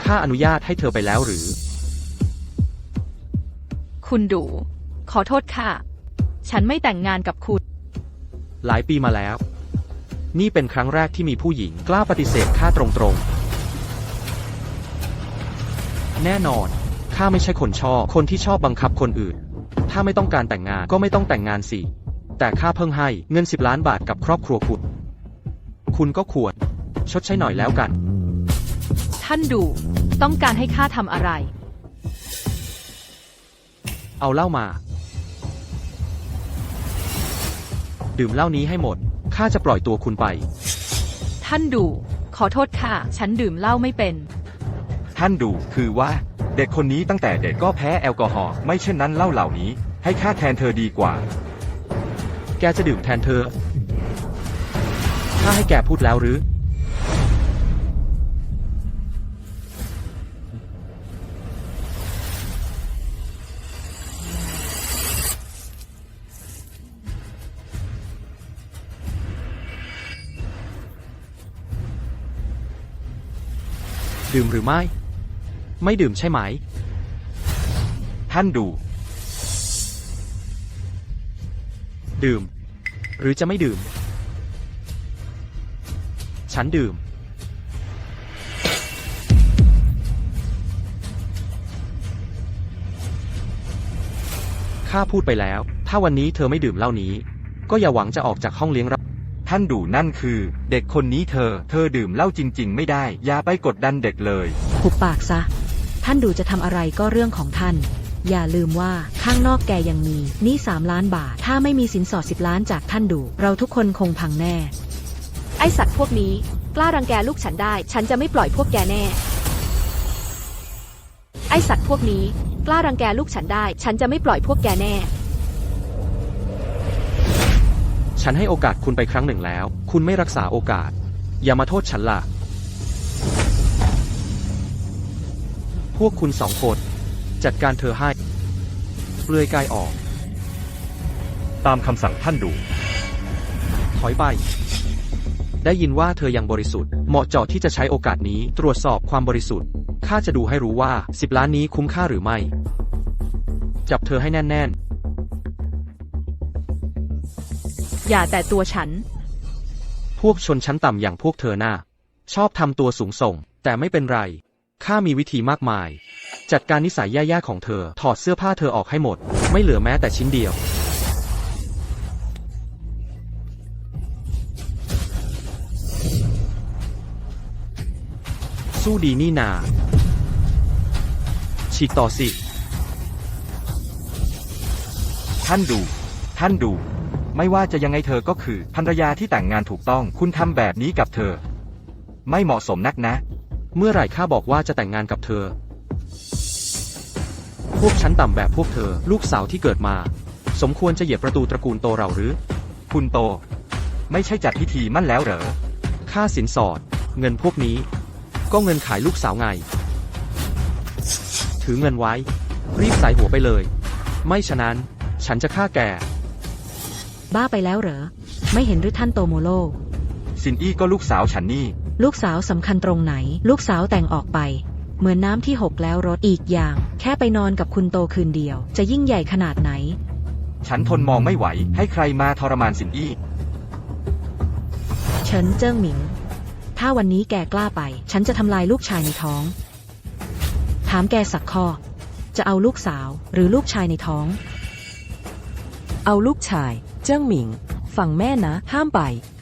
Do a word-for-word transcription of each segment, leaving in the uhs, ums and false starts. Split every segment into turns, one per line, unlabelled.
ข้าอนุญาตให้เธอไปแล้วหรือ
คุณดูขอโทษค่ะฉันไม่แต่งงานกับคุณ
หลายปีมาแล้วนี่เป็นครั้งแรกที่มีผู้หญิงกล้าปฏิเสธข้าตรงๆแน่นอนข้าไม่ใช่คนชอบคนที่ชอบบังคับคนอื่นถ้าไม่ต้องการแต่งงานก็ไม่ต้องแต่งงานสิแต่ข้าเพิ่งให้เงินสิบล้านบาทกับครอบครัวคุณคุณก็ควรชดใช้หน่อยแล้วกัน
ท่านดูต้องการให้ข้าทำอะไร
เอาเหล้ามาดื่มเหล้านี้ให้หมดข้าจะปล่อยตัวคุณไป
ท่านดูขอโทษค่ะฉันดื่มเหล้าไม่เป็น
ท่านดูคือว่าเด็กคนนี้ตั้งแต่เด็กก็แพ้แอลกอฮอล์ไม่เช่นนั้นเหล้าเหล่านี้ให้ข้าแทนเธอดีกว่า
แกจะดื่มแทนเธอข้าให้แกพูดแล้วหรือดื่มหรือไม่ไม่ดื่มใช่ไหม
ท่านดู
ดื่มหรือจะไม่ดื่มฉันดื่มข้าพูดไปแล้วถ้าวันนี้เธอไม่ดื่มเหล้านี้ก็อย่าหวังจะออกจากห้องเลี้ยงเรา
ท่านดูนั่นคือเด็กคนนี้เธอเธอดื่มเหล้าจริงๆไม่ได้อย่าไปกดดันเด็กเลย
หุบปากซะท่านดูจะทำอะไรก็เรื่องของท่านอย่าลืมว่าข้างนอกแกยังมีหนี้สามล้านบาทถ้าไม่มีสินสอดสิบล้านจากท่านดูเราทุกคนคงพังแน่
ไอสัตว์พวกนี้กล้ารังแกลูกฉันได้ฉันจะไม่ปล่อยพวกแกแน่ไอสัตว์พวกนี้กล้ารังแกลูกฉันได้ฉันจะไม่ปล่อยพวกแกแน่
ฉันให้โอกาสคุณไปครั้งหนึ่งแล้วคุณไม่รักษาโอกาสอย่ามาโทษฉันล่ะพวกคุณสองคนจัดการเธอให้เปลือยกายออก
ตามคำสั่งท่านดู
ถอยไปได้ยินว่าเธอยังบริสุทธิ์เหมาะเจาะที่จะใช้โอกาสนี้ตรวจสอบความบริสุทธิ์ข้าจะดูให้รู้ว่าสิบล้านนี้คุ้มค่าหรือไม่จับเธอให้แน่น
ๆอย่าแต่ตัวฉัน
พวกชนชั้นต่ำอย่างพวกเธอน่าชอบทำตัวสูงส่งแต่ไม่เป็นไรข้ามีวิธีมากมายจัดการนิสัยแย่ๆของเธอถอดเสื้อผ้าเธอออกให้หมดไม่เหลือแม้แต่ชิ้นเดียวสู้ดีนี่นาฉีกต่อสิ
ท่านดูท่านดูไม่ว่าจะยังไงเธอก็คือภรรยาที่แต่งงานถูกต้องคุณทำแบบนี้กับเธอไม่เหมาะสมนักนะ
เมื่อไหร่ข้าบอกว่าจะแต่งงานกับเธอพวกชั้นต่ำแบบพวกเธอลูกสาวที่เกิดมาสมควรจะเหยียบประตูตระกูลโตเราหรือ
คุณโตไม่ใช่จัดพิธีมั่นแล้วเหรอ
ค่าสินสอดเงินพวกนี้ก็เงินขายลูกสาวไงถือเงินไว้รีบใส่หัวไปเลยไม่ฉะนั้นฉันจะฆ่าแก
บ้าไปแล้วเหรอไม่เห็นหรือท่านโตโมโร
ซินอี้ก็ลูกสาวฉันนี่
ลูกสาวสำคัญตรงไหนลูกสาวแต่งออกไปเหมือนน้ำที่หกแล้วรถอีกอย่างแค่ไปนอนกับคุณโตคืนเดียวจะยิ่งใหญ่ขนาดไหน
ฉันทนมองไม่ไหวให้ใครมาทรมานซินอี้
เฉินเจิ้งหมิงถ้าวันนี้แกกล้าไปฉันจะทำลายลูกชายในท้องถามแกสักข้อจะเอาลูกสาวหรือลูกชายในท้อง
เอาลูกชายเจิ้งหมิงฟังแม่นะห้ามไป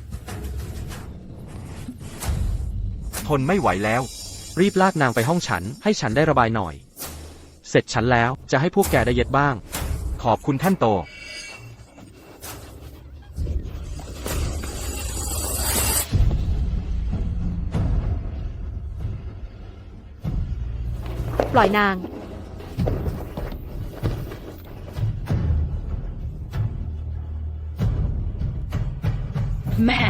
ทนไม่ไหวแล้ว
รีบลากนางไปห้องฉันให้ฉันได้ระบายหน่อยเสร็จฉันแล้วจะให้พวกแกได้เย็ดบ้าง
ขอบคุณท่านโต
ปล่อยนาง
แม่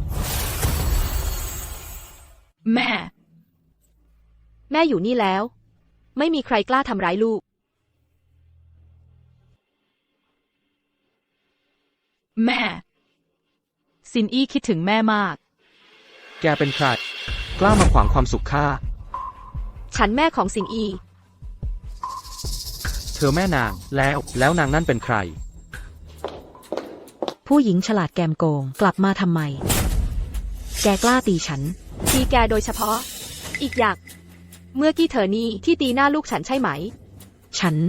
แม่
แม่อยู่นี่แล้วไม่มีใครกล้าทำร้ายลูก
แม่ซินอี้คิดถึงแม่มาก
แกเป็นใครกล้ามาขวางความสุขข้า
ฉันแม่ของสิงอี
เธอแม่นาง แล้ว แล้วนางนั่นเป็นใคร
ผู้หญิงฉลาดแกมโกง กลับมาทำไม แกกล้าตีฉัน
ตีแกโดยเฉพาะ อีกอย่าง เมื่อกี้เธอนี่ที่ตีหน้าลูกฉันใช่ไหม
ฉัน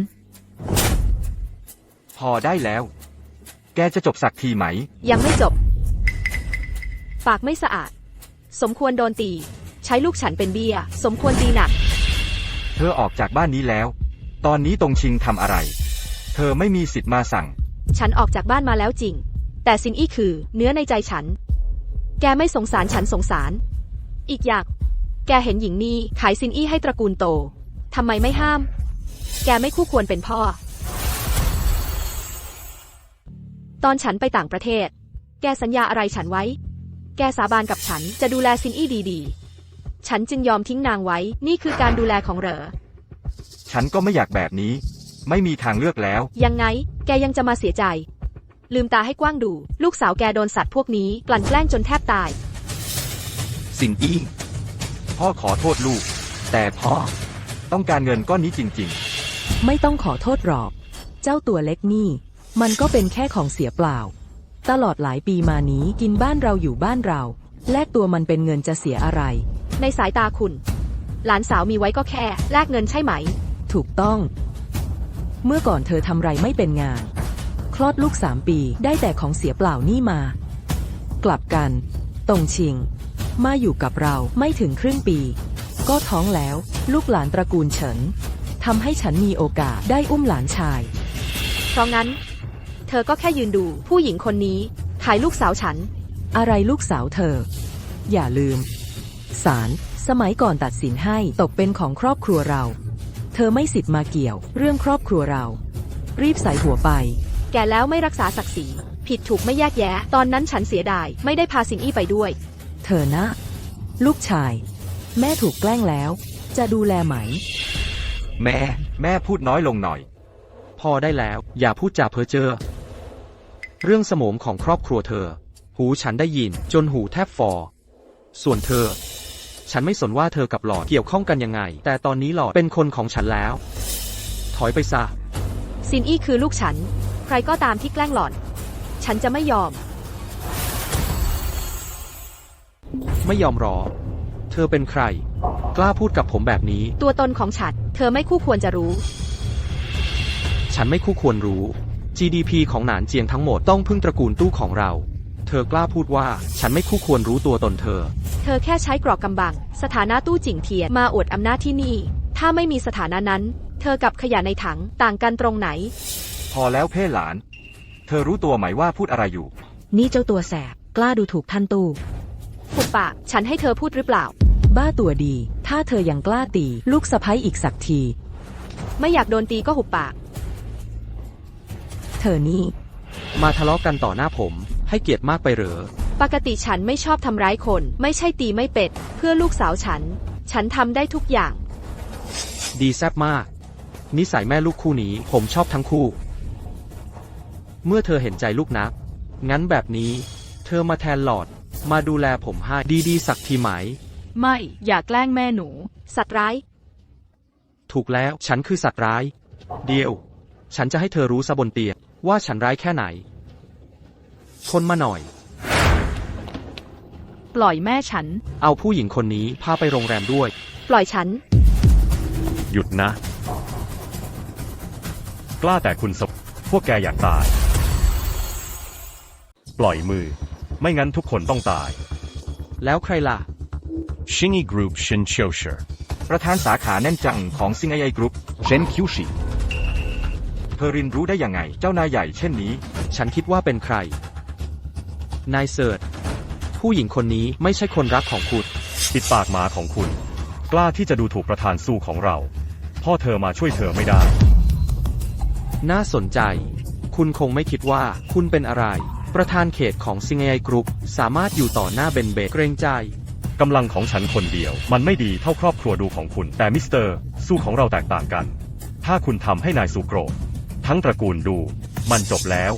พอได้แล้ว แกจะจบสักทีไหม
ยังไม่จบ ปากไม่สะอาด สมควรโดนตี ใช้ลูกฉันเป็นเบี้ย สมควรตีหนัก
เธอออกจากบ้านนี้แล้ว ตอนนี้ตรงชิงทำอะไร เธอไม่มีสิทธิ์มาสั่ง
ฉันออกจากบ้านมาแล้วจริง แต่ซินอี้คือเนื้อในใจฉัน แกไม่สงสารฉันสงสาร อีกอย่าง แกเห็นหญิงนี่ขายซินอี้ให้ตระกูลโต ทำไมไม่ห้าม แกไม่คู่ควรเป็นพ่อ ตอนฉันไปต่างประเทศ แกสัญญาอะไรฉันไว้ แกสาบานกับฉันจะดูแลซินอี้ดีๆ ฉันจึงยอมทิ้งนางไว้ นี่คือการดูแลของเหรอ
ฉันก็ไม่อยากแบบนี้ ไม่มีทางเลือกแล้ว
ยังไง แกยังจะมาเสียใจ ลืมตาให้กว้างดู ลูกสาวแกโดนสัตว์พวกนี้กลั่นแกล้งจนแทบตาย
สิงอี้ พ่อขอโทษลูก แต่พ่อต้องการเงินก้อนนี้จริง
ไม่ต้องขอโทษหรอก เจ้าตัวเล็กนี่ มันก็เป็นแค่ของเสียเปล่า ตลอดหลายปีมานี้กินบ้านเราอยู่บ้านเรา แลกตัวมันเป็นเงินจะเสียอะไร
ในสายตาคุณ หลานสาวมีไว้ก็แค่แลกเงินใช่ไหม
ถูกต้อง เมื่อก่อนเธอทำไรไม่เป็นงาน คลอดลูกสามปีได้แต่ของเสียเปล่านี่มา กลับกัน ตรงชิง มาอยู่กับเราไม่ถึงครึ่งปี ก็ท้องแล้ว ลูกหลานตระกูลเฉินทำให้ฉันมีโอกาสได้อุ้มหลานชาย
เพราะงั้น เธอก็แค่ยืนดูผู้หญิงคนนี้ขายลูกสาวฉัน
อะไรลูกสาวเธอ อย่าลืม ศาลสมัยก่อนตัดสินให้ตกเป็นของครอบครัวเรา เธอไม่สิทธิ์มาเกี่ยวเรื่องครอบครัวเรา รีบใส่หัวไป
แกแล้วไม่รักษาศักดิ์ศรี ผิดถูกไม่แยกแยะ ตอนนั้นฉันเสียดายไม่ได้พาซินอี้ไปด้วย
เธอนะ ลูกชาย แม่ถูกแกล้งแล้ว จะดูแลไหม
ๆ แม่ แม่พูดน้อยลงหน่อย
พอได้แล้ว อย่าพูดจาเพ้อเจ้อ เรื่องสมมของครอบครัวเธอ หูฉันได้ยินจนหูแทบฟอ ส่วนเธอ ฉันไม่สนว่าเธอกับหลอดเกี่ยวข้องกันยังไง แต่ตอนนี้หลอดเป็นคนของฉันแล้ว ถอยไปซะ
ซินอี้คือลูกฉัน ใครก็ตามที่แกล้งหล่อน ฉันจะไม่ยอม
ไม่ยอมรอ เธอเป็นใคร กล้าพูดกับผมแบบนี้
ตัวตนของฉัน เธอไม่คู่ควรจะรู้
ฉันไม่คู่ควรรู้ จี ดี พี ของหนานเจียงทั้งหมดต้องพึ่งตระกูลตู้ของเรา เธอกล้าพูดว่าฉันไม่คู่ควรรู้ตัวตนเธอ
เธอแค่ใช้กรอกกำบัง สถานะตู้จิ่งเทียนมาอวดอำนาจที่นี่ ถ้าไม่มีสถานะนั้น เธอกับขยะในถังต่างกันตรงไหน
พอแล้วเพ่หลาน เธอรู้ตัวไหมว่าพูดอะไรอยู่
นี่เจ้าตัวแสบ กล้าดูถูกท่านตู้
หุบปาก ฉันให้เธอพูดหรือเปล่า
บ้าตัวดี ถ้าเธอยังกล้าตี ลูกสะใภ้อีกสักที
ไม่อยากโดนตีก็หุบปาก
เธอนี่
มาทะเลาะกันต่อหน้าผม ให้เกียรติมากไปเหรอ
ปกติฉันไม่ชอบทำร้ายคน ไม่ใช่ตีไม่เป็ด เพื่อลูกสาวฉัน ฉันทำได้ทุกอย่าง
ดีแซ่บมาก นิสัยแม่ลูกคู่นี้ผมชอบทั้งคู่ เมื่อเธอเห็นใจลูกนัก งั้นแบบนี้ เธอมาแทนหลอด มาดูแลผมให้ดีๆสักทีไหม
ไม่ อย่าแกล้งแม่หนู
สัตว์ร้าย
ถูกแล้ว ฉันคือสัตว์ร้าย เดียว ฉันจะให้เธอรู้ซะบนเตียงว่าฉันร้ายแค่ไหน คนมาหน่อย
ปล่อยแม่ฉัน
เอาผู้หญิงคนนี้พาไปโรงแรมด้วย
ปล่อยฉัน
หยุดนะ กล้าแต่คุณสบพวกแกอยากตาย ปล่อยมือ ไม่งั้นทุกคนต้องตาย
แล้วใครล่ะ
Shingy Group Shin c h o s h e r
ประธานสาขาแน่นจังของซิงไอกรุ๊ป
เชนคิวชิ
เธอรินรู้ได้ยังไง เจ้านายใหญ่เช่นนี้
ฉันคิดว่าเป็นใคร นายเสิร์ชผู้หญิงคนนี้ไม่ใช่คนรักของคุณ
ปิดปากหมาของคุณ กล้าที่จะดูถูกประธานสู้ของเรา พ่อเธอมาช่วยเธอไม่ได้
น่าสนใจ คุณคงไม่คิดว่าคุณเป็นอะไร ประธานเขตของซิงไอกรุ๊ปสามารถอยู่ต่อหน้าเบนเบเกรงใจ
กำลังของฉันคนเดียว มันไม่ดีเท่าครอบครัวดูของคุณ แต่มิสเตอร์สู้ของเราแตกต่างกัน ถ้าคุณทำให้นายสูโกรธทั้งตระกูลดู มันจบแล้ว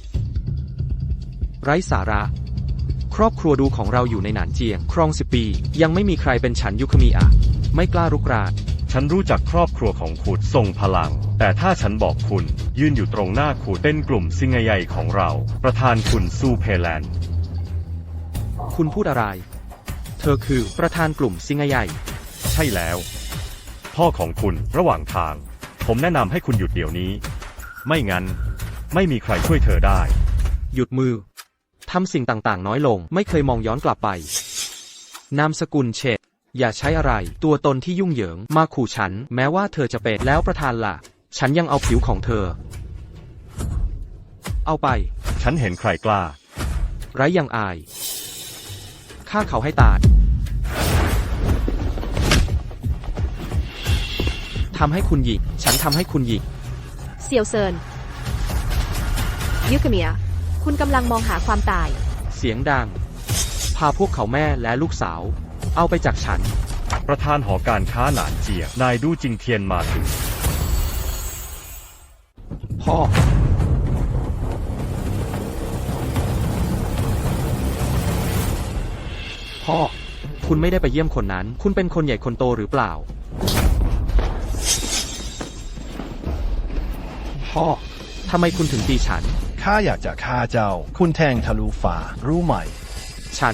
ไร้สาระ ครอบครัวดูของเราอยู่ในหนานเจียง ครองสิบปี ยังไม่มีใครเป็นฉันยุคมีอะไม่กล้ารุกราน
ฉั
ฉันรู้จักครอบครัวของคุณทรงพลัง แต่ถ้าฉันบอกคุณยืนอยู่ตรงหน้าคุณเป็นกลุ่มซิงใหญ่ของเรา ประธานคุณซูเพแลนด์
คุณพูดอะไร เธอคือประธานกลุ่มซิงใหญ่
ใช่แล้ว พ่อของคุณระหว่างทาง ผมแนะนำให้คุณหยุดเดี๋ยวนี้ ไม่งั้น ไม่มีใครช่วยเธอได้
หยุดมือ ทำสิ่งต่างๆน้อยลง ไม่เคยมองย้อนกลับไป นามสกุลเชษอย่าใช้อะไร ตัวตนที่ยุ่งเหยิง มาขู่ฉัน แม้ว่าเธอจะเป็นแล้วประธานล่ะ ฉันยังเอาผิวของเธอ เอาไป
ฉันเห็นใครกล้า
ไร้ยังอาย ฆ่าเขาให้ตาย ทำให้คุณหยิก ฉันทำให้คุณหยิก
เซียวเซินยูคาเมีย คุณกำลังมองหาความตาย
เสียงดัง พาพวกเขาแม่และลูกสาว เอาไปจากฉัน
ประธานหอการค้าหนานเจีย นายดูจิงเทียนมาถึง
พ่อ พ่อ คุณไม่ได้ไปเยี่ยมคนนั้น คุณเป็นคนใหญ่คนโตหรือเปล่า พ่อ ทำไมคุณถึงตีฉัน
ข้าอยากจะฆ่าเจ้า คุณแทงทะลุฟ้ารู้ไหม
ฉัน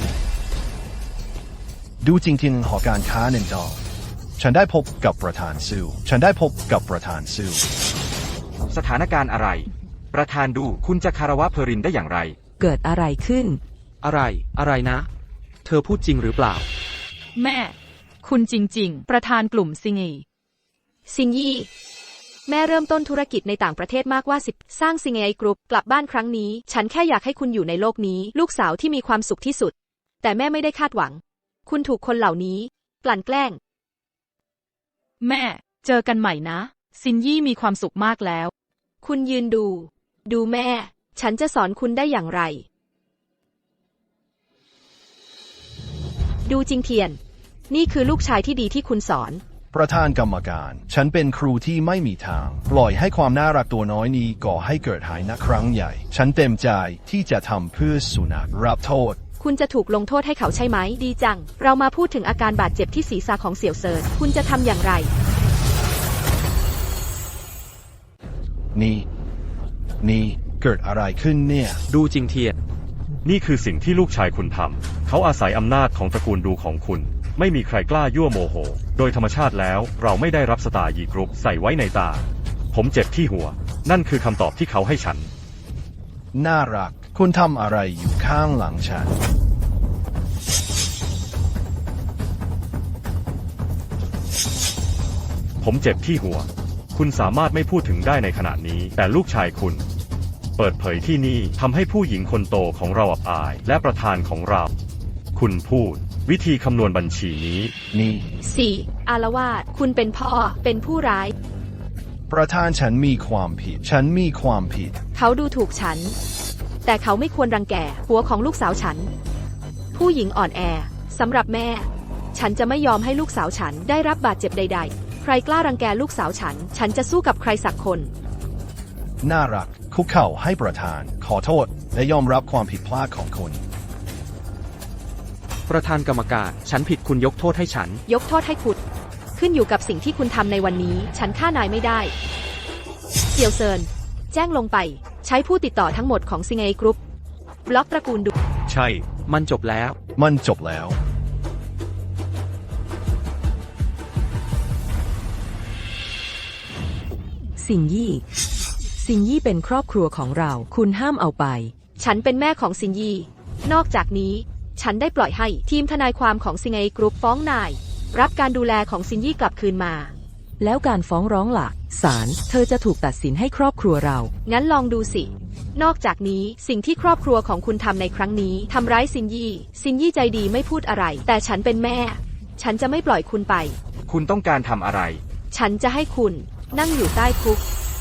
ดูจริงๆหอการค้าหนึ่งดอกฉันได้พบกับประธานซูฉันได้พบกับประธานซู
สถานการณ์อะไร ประธานดูคุณจะคารวะเพรินได้อย่างไร
เกิดอะไรขึ้น
อะไร อะไรนะ เธอพูดจริงหรือเปล่า
แม่ คุณจริงๆ ประธานกลุ่มซิงอี
ซินยี่แม่เริ่มต้นธุรกิจในต่างประเทศมากว่าสิบสร้างซิงไอกรุ๊ปกลับบ้านครั้งนี้ ฉันแค่อยากให้คุณอยู่ในโลกนี้ ลูกสาวที่มีความสุขที่สุด แต่แม่ไม่ได้คาดหวัง คุณถูกคนเหล่านี้กลั่นแกล้ง
แม่ เจอกันใหม่นะ ซินยี่มีความสุขมากแล้ว
คุณยืนดู ดูแม่ ฉันจะสอนคุณได้อย่างไร ดูจิงเทียน นี่คือลูกชายที่ดีที่คุณสอน
ประธานกรรมการ ฉันเป็นครูที่ไม่มีทาง ปล่อยให้ความน่ารักตัวน้อยนี้ก่อให้เกิดหายนะครั้งใหญ่ ฉันเต็มใจที่จะทำเพื่อสุนัขรับโทษ
คุณจะถูกลงโทษให้เขาใช่ไหม ดีจัง เรามาพูดถึงอาการบาดเจ็บที่ศีรษะของเสี่ยวเซิน คุณจะทำอย่างไร
นี่ นี่เกิดอะไรขึ้นเนี่ย
ดูจริงเทียน
นี่คือสิ่งที่ลูกชายคุณทำ เขาอาศัยอำนาจของตระกูลดูของคุณ ไม่มีใครกล้ายั่วโมโห โดยธรรมชาติแล้วเราไม่ได้รับสตาร์ยีกรุ๊ปใส่ไว้ในตา ผมเจ็บที่หัว นั่นคือคำตอบที่เขาให้ฉัน
น่ารัก คุณทำอะไรอยู่ข้างหลังฉัน
ผมเจ็บที่หัว คุณสามารถไม่พูดถึงได้ในขณะนี้ แต่ลูกชายคุณ เปิดเผยที่นี่ทำให้ผู้หญิงคนโตของเราอับอาย และประธานของเรา คุณพูด วิธีคำนวณบัญชีนี้
นี่
สี่ อารวาส คุณเป็นพ่อ เป็นผู้ร้าย
ประธานฉันมีความผิด ฉันมีความผิด
เขาดูถูกฉัน แต่เขาไม่ควรรังแกหัวของลูกสาวฉัน ผู้หญิงอ่อนแอสำหรับแม่ ฉันจะไม่ยอมให้ลูกสาวฉันได้รับบาดเจ็บใดๆ ใครกล้ารังแกลูกสาวฉัน ฉันจะสู้กับใครสักคน
น่ารัก คุกเข่าให้ประธาน ขอโทษ และยอมรับความผิดพลาดของคุณ
ประธานกรรมการ ฉันผิดคุณยกโทษให้ฉัน
ยกโทษให้คุณ ขึ้นอยู่กับสิ่งที่คุณทำในวันนี้ ฉันฆ่านายไม่ได้ เซียวเซิน แจ้งลงไป ใช้ผู้ติดต่อทั้งหมดของซิงเอกรุ๊ปบล็อกตระกูลดู
ใช่
มันจบแล้ว
มันจบแล้ว
สิงยี่ สิงยี่เป็นครอบครัวของเรา คุณห้ามเอาไป
ฉันเป็นแม่ของซินยี นอกจากนี้ ฉันได้ปล่อยให้ทีมทนายความของซิงเอกรุ๊ปฟ้องนาย รับการดูแลของซินยี่กลับคืนมา
แล้วการฟ้องร้องล่ะ ศาล เธอจะถูกตัดสินให้ครอบครัวเรา
งั้นลองดูสิ นอกจากนี้สิ่งที่ครอบครัวของคุณทำในครั้งนี้ทำร้ายซินยี่ ซินยี่ใจดีไม่พูดอะไร แต่ฉันเป็นแม่ ฉันจะไม่ปล่อยคุณไป
คุณต้องการทำอะไร
ฉันจะให้คุณนั่งอยู่ใต้คุก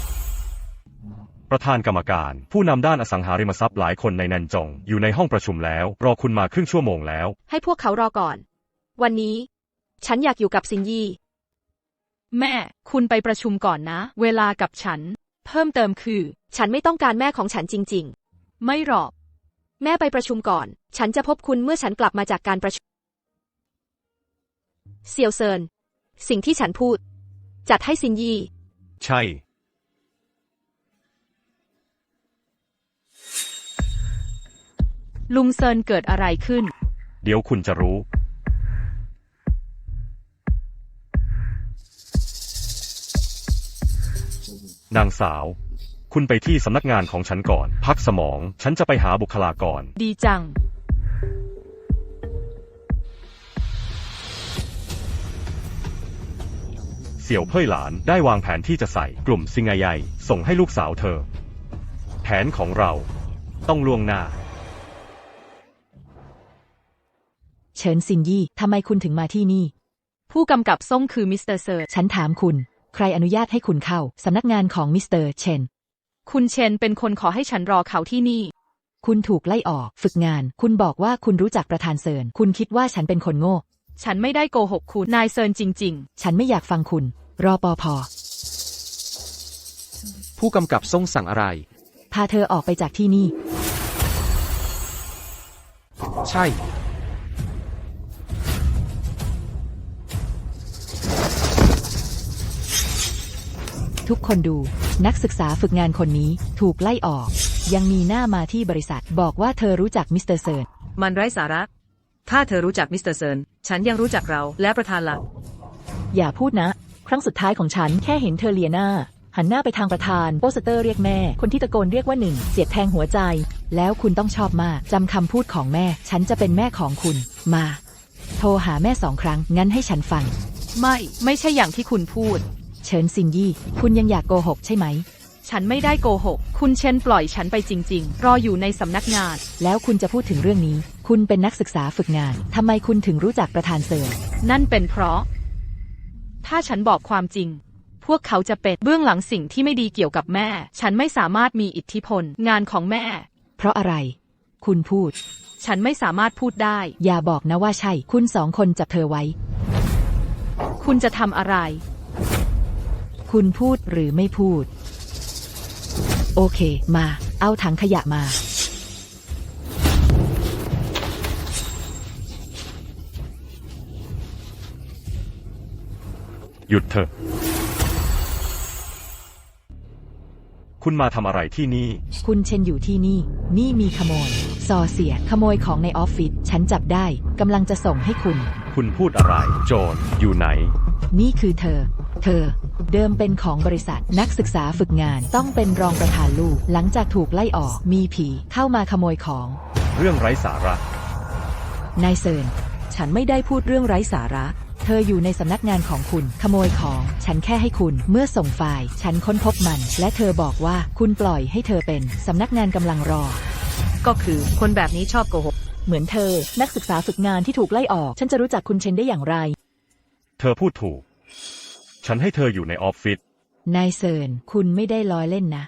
ประธานกรรมการ ผู้นำด้านอสังหาริมทรัพย์หลายคนในนันจง อยู่ในห้องประชุมแล้ว รอคุณมาครึ่งชั่วโมงแล้ว
ให้พวกเขารอก่อน วันนี้ ฉันอยากอยู่กับซินยี่
แม่ คุณไปประชุมก่อนนะ เวลากับฉัน เพิ่มเติมคือ
ฉันไม่ต้องการแม่ของฉันจริง
ไม่หรอก
ๆ แม่ไปประชุมก่อน ฉันจะพบคุณเมื่อฉันกลับมาจากการประชุม เซียวเซิน สิ่งที่ฉันพูดจัดให้ซินยี่
ใช่
ลุงเซินเกิดอะไรขึ้น
เดี๋ยวคุณจะรู้ นางสาว คุณไปที่สำนักงานของฉันก่อน พักสมอง ฉันจะไปหาบุคลากร
ดีจัง
เสี่ยวเพ่ยหลานได้วางแผนที่จะใส่กลุ่มซิงไอใหญ่ส่งให้ลูกสาวเธอ แผนของเราต้องล่วงหน้า
เฉินซินยี่ทำไมคุณถึงมาที่นี่
ผู้กำกับส่งคือมิสเตอร์เซิร์
ฉันถามคุณ ใครอนุญาตให้คุณเข้าสำนักงานของมิสเตอร์เชน
คุณเชนเป็นคนขอให้ฉันรอเขาที่นี่
คุณถูกไล่ออกฝึกงาน คุณบอกว่าคุณรู้จักประธานเซิน คุณคิดว่าฉันเป็นคนโง่
ฉันไม่ได้โกหกคุณ นายเซินจริง
ฉันไม่อยากฟังคุณ รอปอพอ
ผู้กำกับส่งสั่งอะไร
พาเธอออกไปจากที่นี่
ใช่
ทุกคนดู นักศึกษาฝึกงานคนนี้ถูกไล่ออก ยังมีหน้ามาที่บริษัท บอกว่าเธอรู้จักมิสเตอร์เซิน
มันไร้สาระ ถ้าเธอรู้จักมิสเตอร์เซิน ฉันยังรู้จักเราและประธานละ
อย่าพูดนะ ครั้งสุดท้ายของฉันแค่เห็นเธอเลียหน้า หันหน้าไปทางประธานโปสเตอร์เรียกแม่ คนที่ตะโกนเรียกว่าหนึ่งเสียดแทงหัวใจ แล้วคุณต้องชอบมากจำคำพูดของแม่ ฉันจะเป็นแม่ของคุณ มา โทรหาแม่สองครั้ง งั้นให้ฉันฟัง
ๆ ไม่ ไม่ใช่อย่างที่คุณพูด
เฉินซินยี่ คุณยังอยากโกหกใช่ไหม
ฉันไม่ได้โกหก คุณเชนปล่อยฉันไปจริง ๆ รออยู่ในสำนักงาน
แล้วคุณจะพูดถึงเรื่องนี้ คุณเป็นนักศึกษาฝึกงานทำไมคุณถึงรู้จักประธานเซิน
นั่นเป็นเพราะ ถ้าฉันบอกความจริง พวกเขาจะเป็นเบื้องหลังสิ่งที่ไม่ดีเกี่ยวกับแม่ ฉันไม่สามารถมีอิทธิพลงานของแม่
เพราะอะไร คุณพูด
ฉันไม่สามารถพูดได้
อย่าบอกนะว่าใช่ คุณสองคนจับเธอไว้
คุณจะทำอะไร
คุณพูดหรือไม่พูด โอเค มา เอาถังขยะมา
หยุดเถอะ คุณมาทำอะไรที่นี่
คุณเชนอยู่ที่นี่ นี่มีขโมยซอเสียขโมยของในออฟฟิศ ฉันจับได้กำลังจะส่งให้คุณ
คุณพูดอะไร โจรอยู่ไหน
นี่คือเธอ เธอ เดิมเป็นของบริษัท นักศึกษาฝึกงานต้องเป็นรองประธานลูก หลังจากถูกไล่ออก มีผีเข้ามาขโมยของ
เรื่องไร้สาระ
นายเซิน ฉันไม่ได้พูดเรื่องไร้สาระ เธออยู่ในสำนักงานของคุณ ขโมยของ ฉันแค่ให้คุณ เมื่อส่งไฟล์ ฉันค้นพบมัน และเธอบอกว่าคุณปล่อยให้เธอเป็น สำนักงานกำลังรอ
ก็คือคนแบบนี้ชอบโกหก
เหมือนเธอ นักศึกษาฝึกงานที่ถูกไล่ออก ฉันจะรู้จักคุณเชนได้อย่างไร
เธอพูดถูก ฉันให้เธออยู่ในออฟฟิศ
นายเซิน คุณไม่ได้ล้อเล่นนะ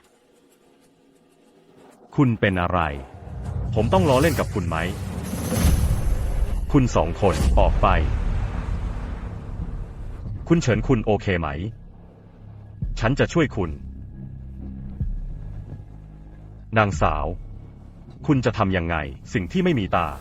คุณเป็นอะไร ผมต้องล้อเล่นกับคุณไหม คุณสองคนออกไป คุณเฉินคุณโอเคไหม ฉันจะช่วยคุณ นางสาว คุณจะทำยังไง สิ่งที่ไม่มีตา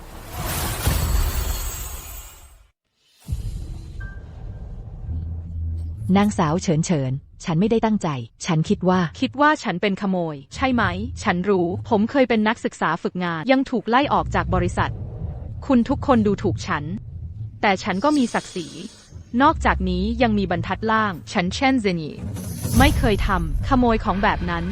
นางสาวเฉินเฉิน ฉันไม่ได้ตั้งใจ ฉันคิดว่า
คิดว่าฉันเป็นขโมย ใช่ไหม ฉันรู้ ผมเคยเป็นนักศึกษาฝึกงาน ยังถูกไล่ออกจากบริษัท คุณทุกคนดูถูกฉัน แต่ฉันก็มีศักดิ์ศรี นอกจากนี้ยังมีบรรทัดล่าง ฉันเช่นเซนีไม่เคยทำขโมยของแบบนั้น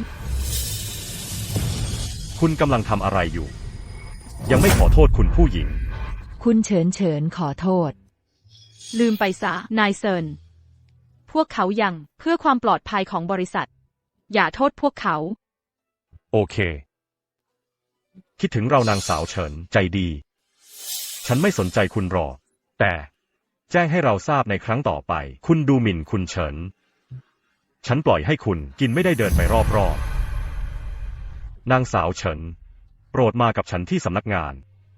คุณกำลังทำอะไรอยู่ ยังไม่ขอโทษคุณผู้หญิง
คุณเฉินเฉินขอโทษ
ลืมไปซะ นายเซิน พวกเขายังเพื่อความปลอดภัยของบริษัท อย่าโทษพวกเขา
โอเค คิดถึงเรานางสาวเฉินใจดี ฉันไม่สนใจคุณหรอก แต่แจ้งให้เราทราบในครั้งต่อไป คุณดูหมิ่นคุณเฉิน ฉันปล่อยให้คุณกินไม่ได้เดินไปรอบๆ นางสาวเฉิน โปรดมากับฉันที่สำนักงาน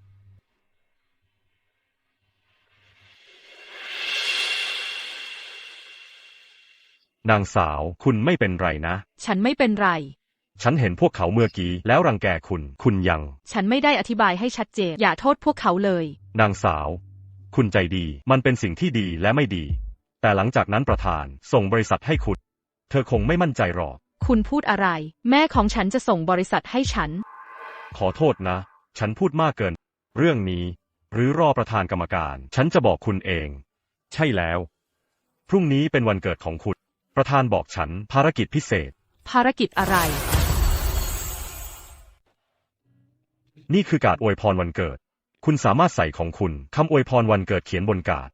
นางสาวคุณไม่เป็นไรนะ
ฉันไม่เป็นไร
ฉันเห็นพวกเขาเมื่อกี้แล้วรังแกคุณ คุณยัง
ฉันไม่ได้อธิบายให้ชัดเจน อย่าโทษพวกเขาเลย
นางสาว คุณใจดี มันเป็นสิ่งที่ดีและไม่ดีแต่หลังจากนั้นประธานส่งบริษัทให้คุณ เธอคงไม่มั่นใจหรอก
คุณพูดอะไร แม่ของฉันจะส่งบริษัทให้ฉัน
ขอโทษนะ ฉันพูดมากเกิน เรื่องนี้ หรือรอประธานกรรมการ ฉันจะบอกคุณเอง ใช่แล้ว พรุ่งนี้เป็นวันเกิดของคุณ ประธานบอกฉันภารกิจพิเศษ
ภารกิจอะไร
นี่คือการ์ดอวยพรวันเกิด คุณสามารถใส่ของคุณคำอวยพรวันเกิดเขียนบนการ์ด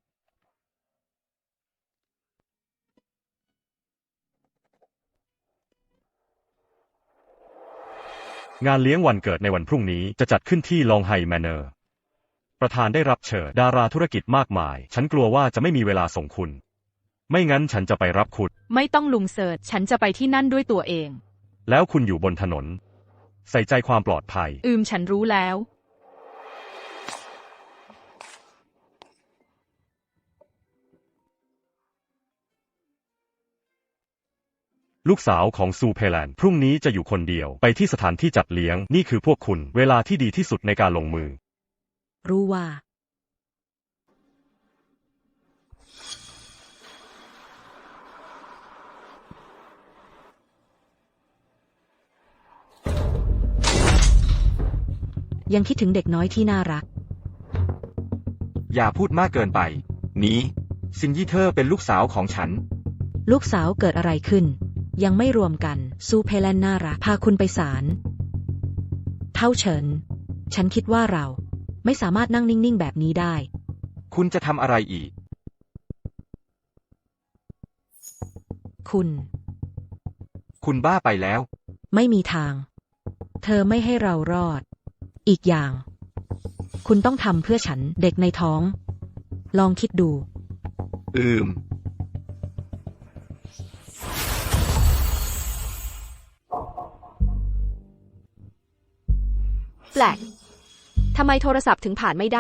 งานเลี้ยงวันเกิดในวันพรุ่งนี้จะจัดขึ้นที่ลองไฮแมนเนอร์ ประธานได้รับเชิญดาราธุรกิจมากมาย ฉันกลัวว่าจะไม่มีเวลาส่งคุณ ไม่งั้นฉันจะไปรับคุณ
ไม่ต้องลุงเสิร์ชฉันจะไปที่นั่นด้วยตัวเอง
แล้วคุณอยู่บนถนน ใส่ใจความปลอดภัย
อืมฉันรู้แล้ว
ลูกสาวของซูเพแลนพรุ่งนี้จะอยู่คนเดียวไปที่สถานที่จัดเลี้ยง นี่คือพวกคุณเวลาที่ดีที่สุดในการลงมือ
รู้ว่า ยังคิดถึงเด็กน้อยที่น่ารัก
อย่าพูดมากเกินไป นี้ ซินยี่เธอเป็นลูกสาวของฉัน
ลูกสาวเกิดอะไรขึ้น ยังไม่รวมกัน ซูเพแลนน่ารัก พาคุณไปศาล เท่าเฉิน ฉันคิดว่าเราไม่สามารถนั่งนิ่งๆแบบนี้ได้
คุณจะทำอะไรอีก
คุณ
คุณบ้าไปแล้ว
ไม่มีทาง เธอไม่ให้เรารอด อีกอย่าง คุณต้องทำเพื่อฉันเด็กในท้อง ลองคิดดู
อืม
แปลก ทำไมโทรศัพท์ถึงผ่านไม่ได้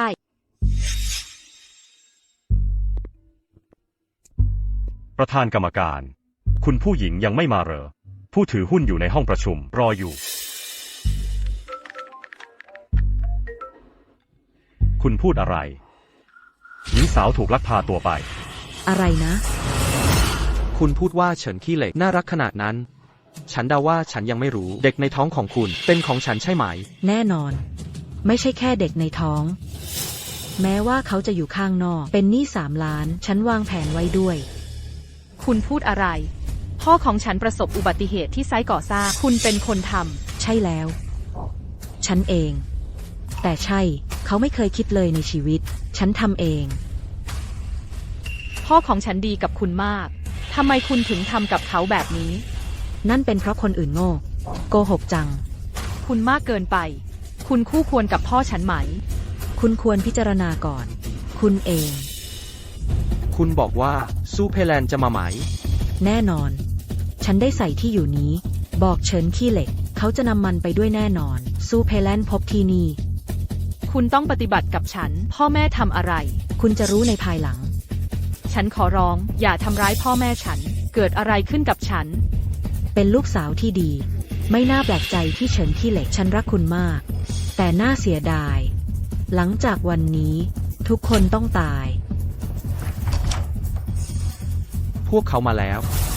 ประธานกรรมการ คุณผู้หญิงยังไม่มาเหรอ ผู้ถือหุ้นอยู่ในห้องประชุมรออยู่ คุณพูดอะไร หญิงสาวถูกลักพาตัวไป
อะไรนะ
คุณพูดว่าเฉินขี้เหล็กน่ารักขนาดนั้น ฉันเดาว่าฉันยังไม่รู้ เด็กในท้องของคุณเป็นของฉันใช่ไหม
แน่นอน ไม่ใช่แค่เด็กในท้อง แม้ว่าเขาจะอยู่ข้างนอก เป็นหนี้สามล้าน ฉันวางแผนไว้ด้วย
คุณพูดอะไร พ่อของฉันประสบอุบัติเหตุที่ไซต์ก่อสร้าง คุณเป็นคนท
ใช่แล้ว ฉันเอง แต่ใช่ เขาไม่เคยคิดเลยในชีวิต ฉันทำเอง
ำ พ่อของฉันดีกับคุณมาก ทำไมคุณถึงทำกับเขาแบบนี้
นั่นเป็นเพราะคนอื่นโง่ โกหกจัง
คุณมากเกินไป คุณคู่ควรกับพ่อฉันไหม
คุณควรพิจารณาก่อน คุณเอง
คุณบอกว่าซูเพแลนจะมาไหม
แน่นอน ฉันได้ใส่ที่อยู่นี้ บอกเฉินขี้เหล็ก เขาจะนำมันไปด้วยแน่นอน ซูเพแลนพบที่นี่
คุณต้องปฏิบัติกับฉัน พ่อแม่ทำอะไร
คุณจะรู้ในภายหลัง
ฉันขอร้อง อย่าทำร้ายพ่อแม่ฉัน เกิดอะไรขึ้นกับฉัน
เป็นลูกสาวที่ดี ไม่น่าแปลกใจที่เฉินขี้เหล็ก ฉันรักคุณมาก แต่น่าเสียดาย หลังจากวันนี้ ทุกคนต้องตาย
พวกเขามาแล้ว